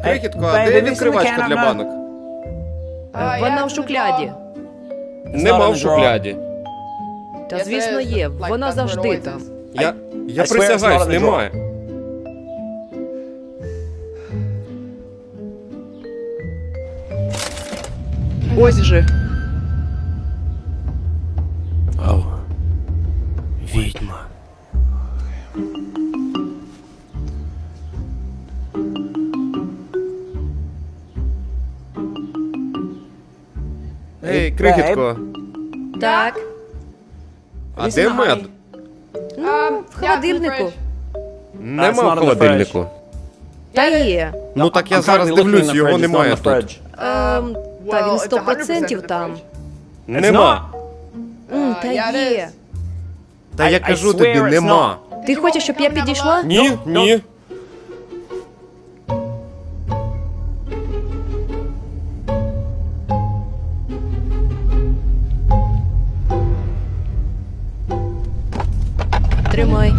Крихітко, а де відкривачка для банок? Вона в шухляді. Нема в шухляді. Та звісно є, вона завжди там. Я присягаюсь, немає. Ось же. Ау. Відьма. Ей, крихітко, Так. а де мед? В холодильнику. Нема в холодильнику. Та є. Ну так я зараз дивлюсь, його немає тут. Та він 100% там. Нема. Та є. Та я кажу тобі, нема. Ти хочеш, щоб я підійшла? Ні, ні. Тримай.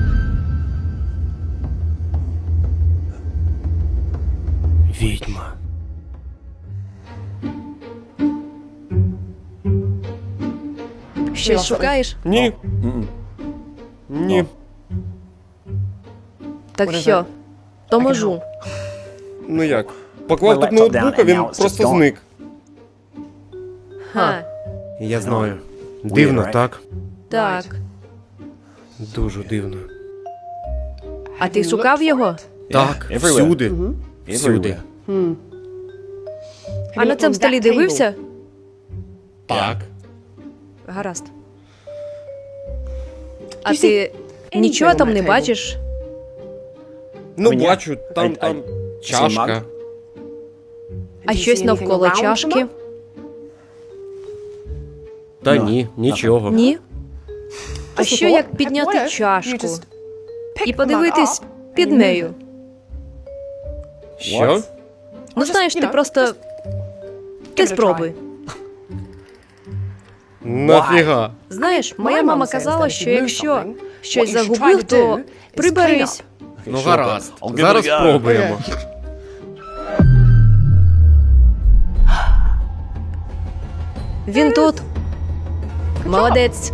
Відьма. Щось шукаєш? Ні. Ні. Так що? То можу. Ну як? Поклав тут ноутбук, а він просто зник. Ха. Я знаю. Дивно, так? Так. Дуже дивно. А ти шукав його? Так, всюди. Всюди. А на цьому столі дивився? Так. Гаразд. А ти нічого там не бачиш? Ну, бачу, там чашка. А щось навколо чашки? Та ні, нічого. Ні? А що як підняти чашку і подивитись під нею? Що? Ну знаєш, ти просто... Ти спробуй. Нафіга? Знаєш, моя мама казала, що якщо щось загубив, то приберись. Ну гаразд. Зараз спробуємо. Він тут. Молодець.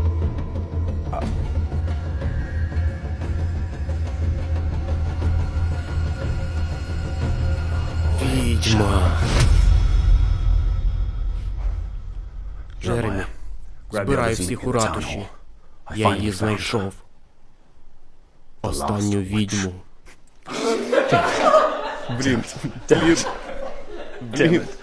Відьма. Джеремі, збирай всіх у ратуші. Я її знайшов. Останню відьму. Блін.